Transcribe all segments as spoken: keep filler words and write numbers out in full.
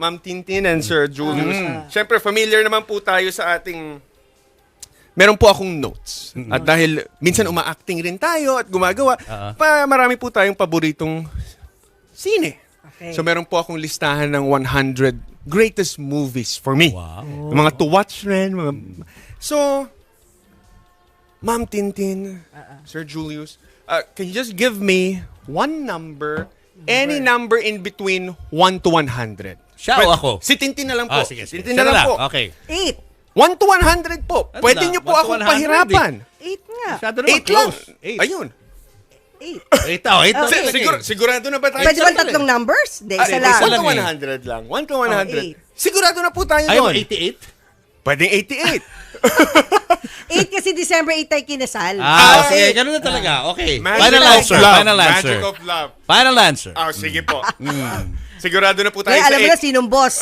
Ma'am Tintin and Sir Julius. Mm. Siyempre, familiar naman po tayo sa ating... Meron po akong notes. Mm-hmm. At dahil minsan uma-acting rin tayo at gumagawa, uh-huh. pa, marami po tayong paboritong sine. Okay. So meron po akong listahan ng one hundred greatest movies for me. Wow. Mga to watch rin. Mga... So, Ma'am Tintin, uh-uh. Sir Julius, uh, can you just give me one number, number, any number in between one to one hundred? Siya o ako? Si Tintin na lang po. Ah, sige, sige. Si Tintin na lang, lang po. Okay. eight. one to one hundred po. Ano pwede na? Niyo po akong pahirapan. eight nga. eight lang. eight. Ayun. eight. eight ako. eight okay. Sigur, sigurado na ba tayo? Pwede ba tatlong numbers? Hindi, isa lang. one to one hundred lang. one to one hundred. Oh, sigurado na po tayo doon. Ayaw eighty-eight? Pwedeng eighty-eight. eight kasi December eight tayo kinasal. Ah, ah sige. Ganun na talaga. Okay. Magic Final answer. Love. Final answer. Magic of love. Final answer. Ah, sige po. Mm. Sigurado na po tayo Kaya sa alam mo eight. na sinong boss.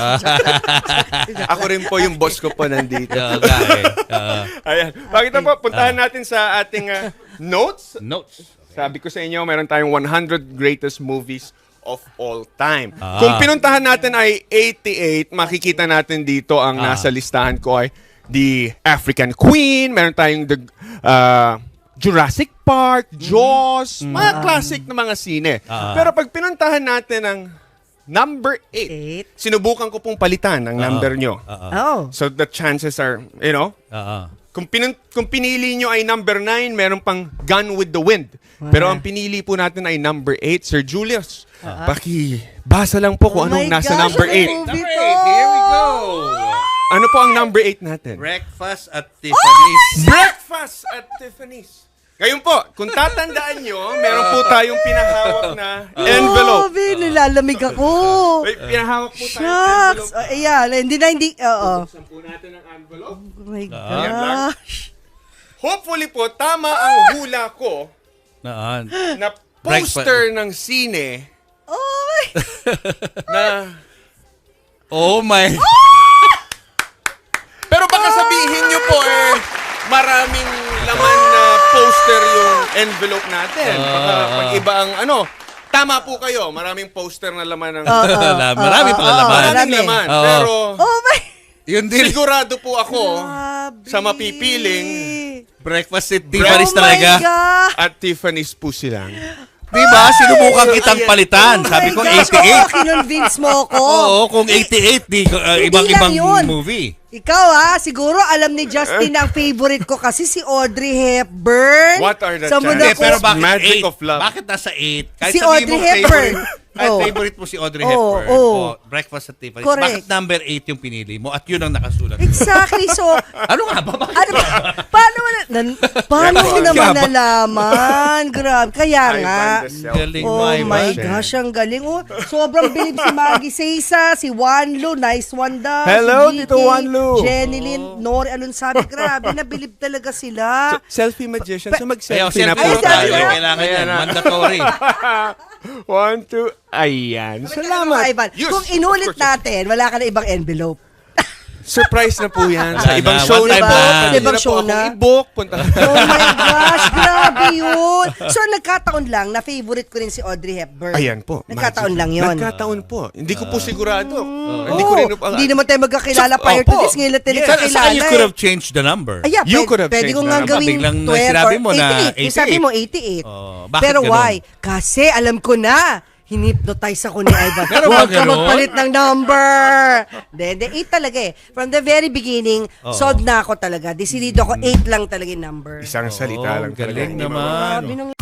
Ako rin po yung boss ko po nandito. Okay. Uh, Ayan. Bakit po, puntahan natin sa ating uh, notes. Notes. Okay. Sabi ko sa inyo, meron tayong one hundred greatest movies of all time. Ah. Kung pinuntahan natin ay eighty-eight, makikita natin dito ang ah. nasa listahan ko ay The African Queen, meron tayong the uh, Jurassic Park, Jaws, mm. mga classic na mga sine. Ah. Pero pag pinuntahan natin ang number eight, eight, sinubukan ko pong palitan ang uh-oh. number nyo. Uh-oh. Oh. So the chances are, you know, uh-oh. kung, pinun- kung pinili nyo ay number nine, meron pang Gone with the Wind. Uh-huh. Pero ang pinili po natin ay number eight, Sir Julius. Uh-huh. Paki-basa lang po kung oh anong nasa gosh, number eight. Number eight, here we go. Ano po ang number eight natin? Breakfast at Tiffany's. Oh! Breakfast at Tiffany's. Ngayon po, kung tatandaan nyo, meron po tayong pinahawak na envelope. Oh, bin, nilalamig ako. May pinahawak po tayong Shucks. envelope. Oh, ayan, hindi na, hindi, oo. Buksan po natin ang envelope. Oh my gosh. Hopefully po, tama ang hula ko Naan. na poster ng sine oh na... Oh my... Pero baka sabihin nyo po eh, maraming laman na poster yung envelope natin. Baka pag iba ang ano, tama po kayo, maraming poster na laman ng... Uh, uh, uh, marami pala laman. Maraming laman. Uh, pero oh my... Yun din. Sigurado po ako Grabe. sa mapipiling Breakfast at Tiffany's talaga. At Tiffany's po silang. Diba? Sinubukan kitang palitan. Oh Sabi ko gosh, eighty-eight. Oo, kinonvince mo ko. Oo, kung eighty-eight, di, uh, ibang-ibang movie. Ikaw ha, siguro alam ni Justin ang favorite ko kasi si Audrey Hepburn. What are the Sa chances? Pero bakit Magic eight? of love. Bakit nasa eight? Kahit Si sabihin Audrey mo Hepburn. Favorite, kahit Oh. favorite mo si Audrey Oh, Hepburn. oh. Oh, Breakfast at Tiffany's. Correct. Bakit number eight yung pinili mo at yun ang nakasulat? Exactly. So, Ano nga ba? Bakit ano ba? Paano mo na, nan, paano mo naman nalaman? Grabe. Kaya nga. Galing Oh mo, my Ivan. gosh, ang galing. Oh, sobrang bilib si Maggie Seysa, si Wanlu, nice one daw. Hello, si Tito Wanlu. Jenny Lynn, Nori, anong sabi? Grabe, nabilib talaga sila. So, selfie magician. So Ayaw, mag-selfie na po selfie Ay, mo tayo. selfie na? Kailangan yan. Ayan na. Mandatory. One, two, ayan. Salamat. Ivan, Yes, kung of inulit course. natin, wala ka na ibang envelope. Surprise na po yan. Wala Sa ibang na. show One na time po. lang. Pwede Ibang na po show akong na. i-book. Punta. Oh my gosh, grabe yun. So, nagkataon lang na favorite ko rin si Audrey Hepburn. Ayan po. Nagkataon Magic. lang yun. Nagkataon po. Hindi ko po sigurado. Oh, Hindi ko rin po. hindi naman tayo magkakilala So, prior to opo. this. Ngayon lang tayo Yes. Saan nagkakilala. saan you could eh. have changed the number? Ay, yeah, You pwede, could have pwede changed ko the nga number. gawing Biglang twelve sinabi or mo na eighty-eight. Yung sabi eighty-eight. mo eighty-eight. Oh, bakit Pero ganun? why? Kasi alam ko na, hinipnotize ako ni Ivan. Meron ba Huwag ka ganun? magpalit ng number. Hindi, hindi. eight talaga eh. From the very beginning, Oo. sold na ako talaga. Decidido ako, eight lang talaga yung number. Isang salita Oh, lang talaga. galing Hindi naman. mababa. Sabi nung